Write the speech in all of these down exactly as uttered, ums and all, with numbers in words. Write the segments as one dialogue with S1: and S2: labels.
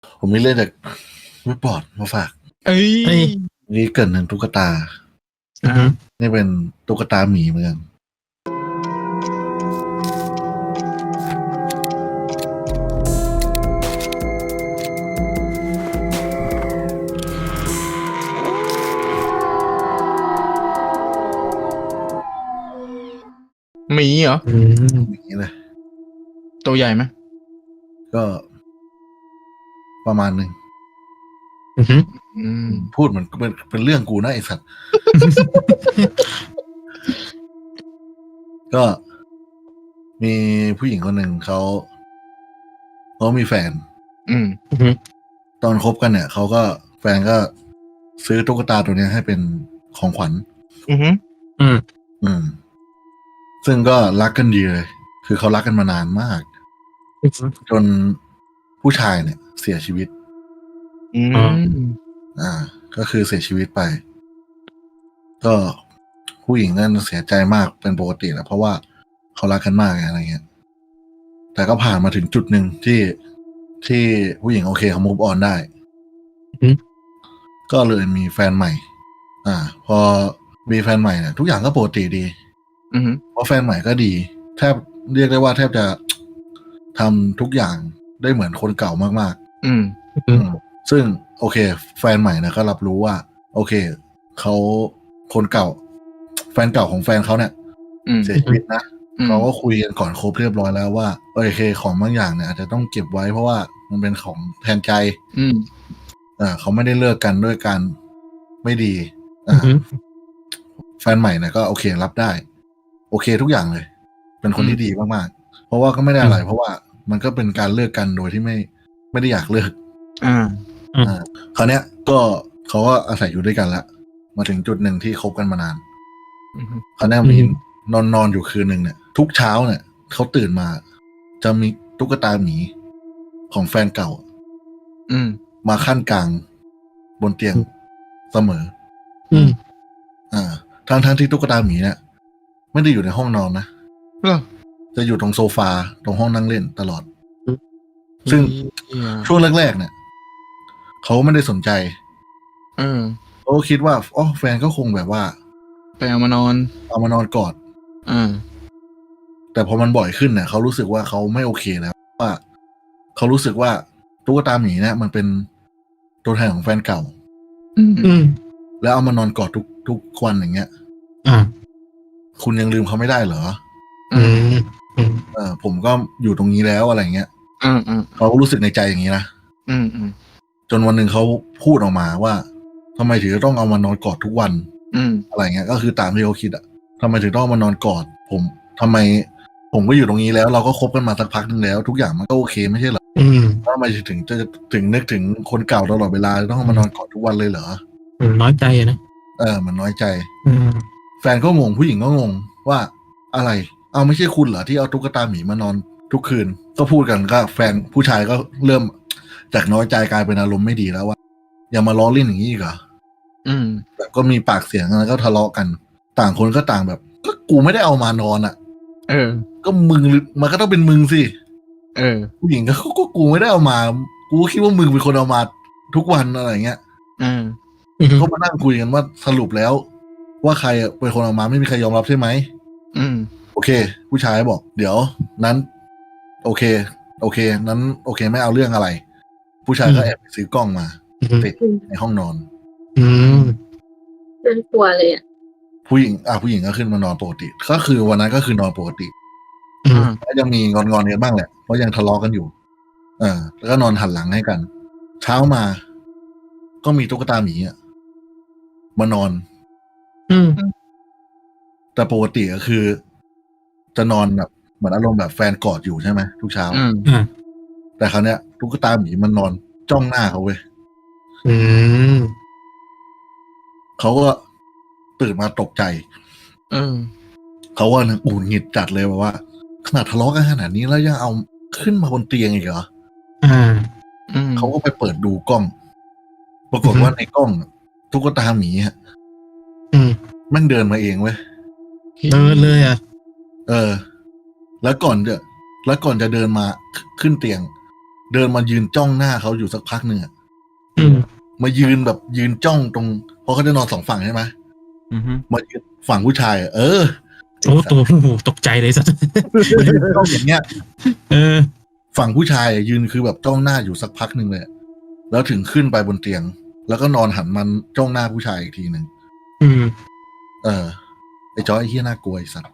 S1: ผมมีเรื่องจากเว็บบอร์ดมาฝาก
S2: เอ้ย
S3: เอ้ย
S1: นี่เกิดหนึ่งตุ๊กตา
S3: อือฮึ
S1: นี่เป็นตุ๊กตาหมีเหมือนกัน
S2: หมีเหรอ
S3: อืม
S1: อย่างนี้เลย
S2: ตัวใหญ่ไหม
S1: ก็ประมาณหนึ่ง
S3: อือฮึ
S2: อืม
S1: พูดเหมือนเป็นเป็นเรื่องกูนะไอ้สัตว์ ก็มีผู้หญิงคนหนึ่งเขาเขามีแฟน
S2: อืม
S3: อือฮึ
S1: ตอนคบกันเนี่ยเขาก็แฟนก็ซื้อตุ๊กตาตัวเนี้ยให้เป็นของขวัญ
S2: อือฮึ
S3: อืม
S1: อืม ซึ่งก็รักกันดีเลย คือเขารักกันมานานมาก
S3: อือฮึ
S1: จนผู้ชายเนี่ย เสียชีวิต
S2: อืม
S3: อ๋อ
S1: อ่า ก็คือเสียชีวิตไป ก็ผู้หญิงนั่นเสียใจมากเป็นปกติแหละเพราะว่าเขารักกันมากไงอะไรเงี้ย แต่ก็ผ่านมาถึงจุดหนึ่งที่ที่ผู้หญิงโอเคเขามูฟออนได้
S3: อือฮึ
S1: ก็เลยมีแฟนใหม่ อ่า พอมีแฟนใหม่เนี่ยทุกอย่างก็ปกติดี
S2: อือฮึ
S1: เพราะแฟนใหม่ก็ดี แทบเรียกได้ว่าแทบจะทำทุกอย่างได้เหมือนคนเก่ามาก
S2: อืม
S3: อือ
S1: ๆ
S3: ฮึ
S1: อืมซึ่งโอเค แฟนใหม่นะก็รับรู้ว่า โอเคเขาคนเก่า แฟนเก่าของแฟนเขาเนี่ย
S2: อืม
S1: เสียชีวิตนะ
S2: อืม
S1: เขาก็คุยกันก่อนครบเรียบร้อยแล้วว่าโอเคของบางอย่างเนี่ยอาจจะต้องเก็บไว้เพราะว่ามันเป็นของแทนใจ
S2: อืม
S1: อ่าเขาไม่ได้เลิกกันด้วยการไม่ดี
S3: อื
S1: อ่า
S3: อฮึ
S1: แฟนใหม่เนี่ยก็โอเครับได้ โอเคทุกอย่างเลย เป็นคนที่ดีมากๆ เพราะว่าก็ไม่ได้อะไร เพราะว่ามันก็เป็นการเลิกกันโดยที่ไม่ไม่ได้อยากเลิก
S2: อ่า
S1: อ่าคราวเนี้ยก็เขาก็อาศัยอยู่ด้วยกันแล้วมาถึงจุดหนึ่งที่คบกันมานาน
S2: อือฮึ
S1: คราวเนี้ยมีนอนนอนอยู่คืนหนึ่งเนี่ย ทุกเช้าเนี่ยเขาตื่นมา จะมีตุ๊กตาหมีของแฟนเก่า
S2: อืม
S1: มาขั้นกลางบนเตียงเสมอ
S3: อืม
S1: อ่าทั้งทั้งที่ตุ๊กตาหมีเนี่ยไม่ได้อยู่ในห้องนอนนะ
S2: เหรอ
S1: จะอยู่ตรงโซฟาตรงห้องนั่งเล่นตลอด ซึ่ง
S2: เหี้ย
S1: ช่วงแรกๆเนี่ยเขาไม่ได้สนใจ
S2: เออ
S1: เขาก็คิดว่าอ๋อแฟนก็คงแบบว่า
S2: ไปเอามานอน
S1: เอามานอนกอด
S2: อ่า
S1: แต่พอมันบ่อยขึ้นเนี่ยเขารู้สึกว่าเขาไม่โอเคแล้วว่าเขารู้สึกว่าตุ๊กตาหมีเนี่ยมันเป็นตัวแทนของแฟนเก่า
S2: อืม
S3: อืม
S1: แล้วเอามานอนกอดทุกทุกวันอย่างเงี้ย
S3: อ่า
S1: คุณยังลืมเขาไม่ได้เหรอ
S3: อืม อืม
S1: เออผมก็อยู่ตรงนี้แล้วอะไรเงี้ย
S2: อืม อืม
S1: เขาก็รู้สึกในใจอย่างนี้นะ
S2: อืม อืม
S1: จนวันหนึ่งเขาพูดออกมาว่าทำไมถึงจะต้องเอามานอนกอดทุกวัน
S2: อืม
S1: อะไรเงี้ย ก็คือตามที่เขาคิดอะทำไมถึงต้องเอามานอนกอด ผมทำไม ผมก็อยู่ตรงนี้แล้ว เราก็คบกันมาสักพักหนึ่งแล้ว ทุกอย่างมันก็โอเคไม่ใช่เหรอ
S3: อืม
S1: ทำไมถึงจะถึงนึกถึงคนเก่าตลอดเวลาต้องเอามานอนกอดทุกวันเลยเหรอ
S3: อืมน้อยใจอะนะ
S1: เออมันน้อยใจ
S3: อืม
S1: แฟนก็งงผู้หญิงก็งงว่าอะไร เอาไม่ใช่คุณเหรอที่เอาตุ๊กตาหมีมานอนทุกคืน ก็พูดกันก็แฟนผู้ชายก็เริ่มจากน้อยใจกลายเป็นอารมณ์ไม่ดีแล้วว่าอย่ามาล้อเล่นอย่างนี้อีกเหรอ
S2: อืม
S1: แบบก็มีปากเสียงแล้วก็ทะเลาะกัน ต่างคนก็ต่างแบบ ก็กูไม่ได้เอามานอนอ่ะ
S2: เออ
S1: ก็มึงหรือมันก็ต้องเป็นมึงสิ
S2: เออ
S1: ผู้หญิงก็ก็กูไม่ได้เอามา กูก็คิดว่ามึงเป็นคนเอามาทุกวันอะไรเงี้ย
S2: อ่า
S3: อืม
S1: ก็มานั่งคุยกันว่าสรุปแล้ว ว่าใครเป็นคนเอามาไม่มีใครยอมรับใช่ไหม
S2: อืม
S1: โอเค ผู้ชายบอก เดี๋ยวนั้น โอเค โอเค นั้น โอเค ไม่เอาเรื่องอะไร ผู้ชายก็แอบไปซื้อกล้องมา
S3: อืม
S1: ติดในห้องนอน
S3: อืม
S4: น่ากลัวเลยอ่ะ
S1: ผู้หญิงอ่ะผู้หญิงก็ขึ้นมานอนปกติ ก็คือวันนั้นก็คือนอนปกติ
S3: อืม
S2: อ่า
S1: ก็ยังมีงอนๆกันบ้างแหละเพราะยังทะเลาะกันอยู่ เออแล้วก็นอนหันหลังให้กัน เช้ามา ก็มีตุ๊กตาหมีอ่ะมานอน
S3: อืม
S1: แต่ปกติก็คือ จะนอนแบบเหมือนอารมณ์แบบแฟนกอดอยู่ใช่ไหมทุกเช้า
S2: อืม
S3: อ่า
S1: แต่คราวเนี้ยตุ๊กตาหมีมันนอนจ้องหน้าเขาเว้ย
S3: อืม
S1: เขาก็ตื่นมาตกใจ
S2: เออ
S1: เขาว่าอุ่นหงิดจัดเลยแบบว่า ขนาดทะเลาะกันขนาดนี้แล้วยังเอาขึ้นมาบนเตียงอีกเหรอ
S3: อ่า
S2: อืม
S1: เขาก็ไปเปิดดูกล้อง ปรากฏว่าในกล้องตุ๊กตาหมีฮะ
S3: อืม
S1: แม่งเดินมาเองเว้ย
S3: เดินเลยอ่ะ
S1: เออ แล้วก่อนจะ แล้วก่อนจะเดินมาขึ้นเตียงเดินมายืนจ้องหน้าเขาอยู่สักพักหนึ่งอะ
S3: อืม
S1: มายืนแบบยืนจ้องตรงเพราะเขาจะนอนสองฝั่งใช่ไหม
S2: อือฮึ
S1: มายืนฝั่งผู้ชายอะเออ
S3: โอ้ตัวโอ้โหตกใจเลยสัส
S1: มายืนจ้องอย่างเงี้ย
S3: เออ
S1: ฝั่งผู้ชายอะยืนคือแบบจ้องหน้าอยู่สักพักหนึ่งเลยอะแล้วถึงขึ้นไปบนเตียง แล้วก็นอนหันมันจ้องหน้าผู้ชายอีกทีหนึ่ง
S3: อืม
S1: เออไอ้จอยไอ้เหี้ยน่ากลัวไอ้สัตว์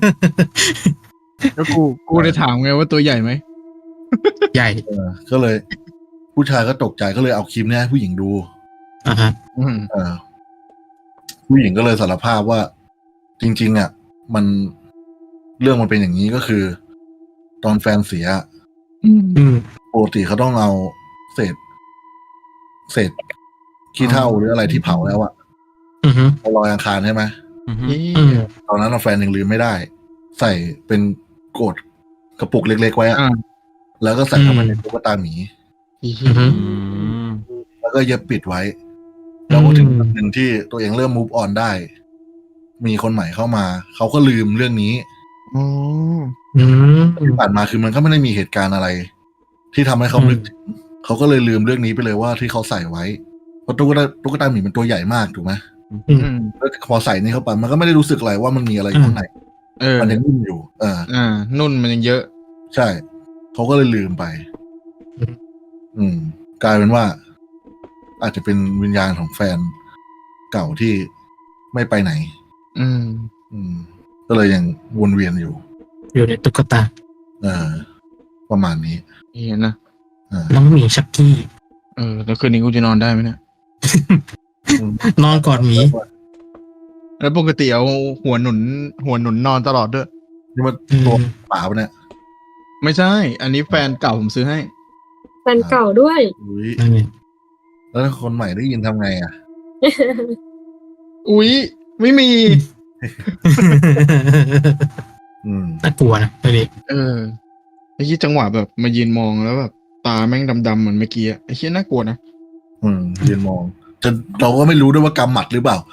S2: แล้วกูกูได้ถามไงว่าตัวใหญ่ไหม
S3: ใหญ่
S1: เออ ก็เลย ผู้ชายก็ตกใจก็เลยเอาคลิปเนี้ยให้ผู้หญิงดู
S3: อ่าฮะ
S2: อืม
S1: เออ ผู้หญิงก็เลยสารภาพว่า จริง ๆ อ่ะ มันเรื่องมันเป็นอย่างนี้ก็คือ ตอนแฟนเสีย
S2: อืม
S3: อืม
S1: ปกติเขาต้องเอาเศษ เศษขี้เถ้าหรืออะไรที่เผาแล้วอะ
S3: อือฮึ
S1: เอาลอยอังคารใช่ไหม
S2: อืม
S3: อืม
S1: ตอนนั้นอะแฟนยังลืมไม่ได้ ใส่เป็นโกดกระปุกเล็กๆไว้อะ
S2: อ่า
S1: แล้วก็ใส่เข้ามาในตุ๊กตาหมี
S3: อือฮึ
S1: แล้วก็เย็บปิดไว้ แล้วพอถึงจุดหนึ่งที่ตัวเองเริ่ม move on ได้ มีคนใหม่เข้ามา เขาก็ลืมเรื่องนี้
S2: อ๋อ
S3: อืม
S1: ที่ผ่านมาคือมันก็ไม่ได้มีเหตุการณ์อะไร ที่ทำให้เขา
S3: อืม
S1: นึกถึงเขาก็เลยลืมเรื่องนี้ไปเลยว่าที่เขาใส่ไว้เพราะตุ๊กตาตุ๊กตาหมีเป็นตัวใหญ่มากถูกไหม
S3: อืม
S2: อืม
S1: แล้วพอใส่นี่เข้าไปมันก็ไม่ได้รู้สึกอะไรว่ามันมีอะไรอยู่ข้างใน
S2: เออ
S1: มันยังนิ่มอยู่ เออ
S2: อ่า นุ่นมันยังเยอะ
S1: ใช่ เขาก็เลยลืมไป
S3: อืม
S1: อืม กลายเป็นว่า อาจจะเป็นวิญญาณของแฟนเก่าที่ไม่ไปไหน
S2: อืม
S1: อืม ก็เลยยังวนเวียนอยู่
S3: อยู่ในตุ๊กตา
S1: เออ ประมาณนี้
S2: เห็นนะ
S1: เออ
S3: น้องหมีชักกี้
S2: เออ แล้วคืนนี้กูจะนอนได้ไหมเนี่ย
S3: นอนกอดหมี
S2: แล้วปกติเอาหัวหนุน หัวหนุนนอนตลอดด้วย
S1: นี่มัน
S3: อืม
S1: ตัวป่าปะเนี่ย
S2: ไม่ใช่ อันนี้แฟนเก่าผมซื้อให้
S4: แฟนเก่าด้วย
S1: อุ้ย
S3: นั่นไง
S1: แล้วถ้าคนใหม่ได้ยินทำไงอ่ะ
S2: อุ๊ย ไม่มี
S1: อืม
S3: น่ากลัวนะไอ้นี่
S2: เออ ไอ้ที่จังหวะแบบมายืนมองแล้วแบบ ตาแม่งดำๆเหมือนเมื่อกี้อะไอ้ที่น่ากลัวนะ
S1: อืมยืนมองจนเราก็ไม่รู้ด้วยว่ากำหมัดหรือเปล่า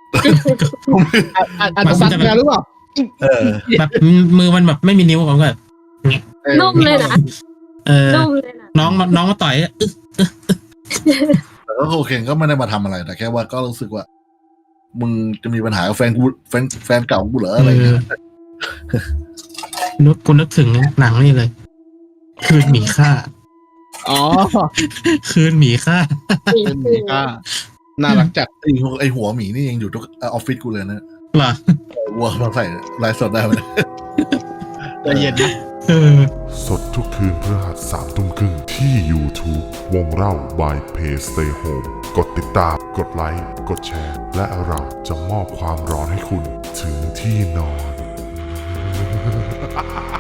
S2: อาจจะสั่งงานหรือเปล่า
S1: เออ
S3: แบบมือมันแบบไม่มีนิ้วผมก็แบบ
S4: นุ่มเลยนะ
S3: เออ
S4: นุ่มเลยนะ
S3: น้องมาน้องมาต่อยอึ๊ะ
S1: แต่ก็โอเคก็ไม่ได้มาทำอะไร แต่แค่ว่าก็รู้สึกว่า มึงจะมีปัญหากับแฟนกูแฟนแฟนเก่ากูเหรออะไรเงี้ย
S3: นึกกูนึกถึงหนังนี่เลย คืนหมีฆ่า
S2: อ๋อ
S3: คืนหมีฆ่า
S4: มี
S2: เป็น
S4: คื
S2: มี
S4: น
S2: ก้าน่ารักจัด
S1: ไอหัวไอหัวหมีนี่ยังอยู่ทุกออฟฟิศกูเลยนะ
S3: เหรอ
S1: วัวมาใส่ไลฟ์สดได้ไหม
S2: ใจเย็นนะ
S3: เออ
S5: สดทุกคืนพฤหัสสามทุ่มครึ่งที่ YouTube วงเล่า by Play Stay Home กดติดตาม กดไลค์ กดแชร์ และเราจะมอบความร้อนให้คุณถึงที่นอน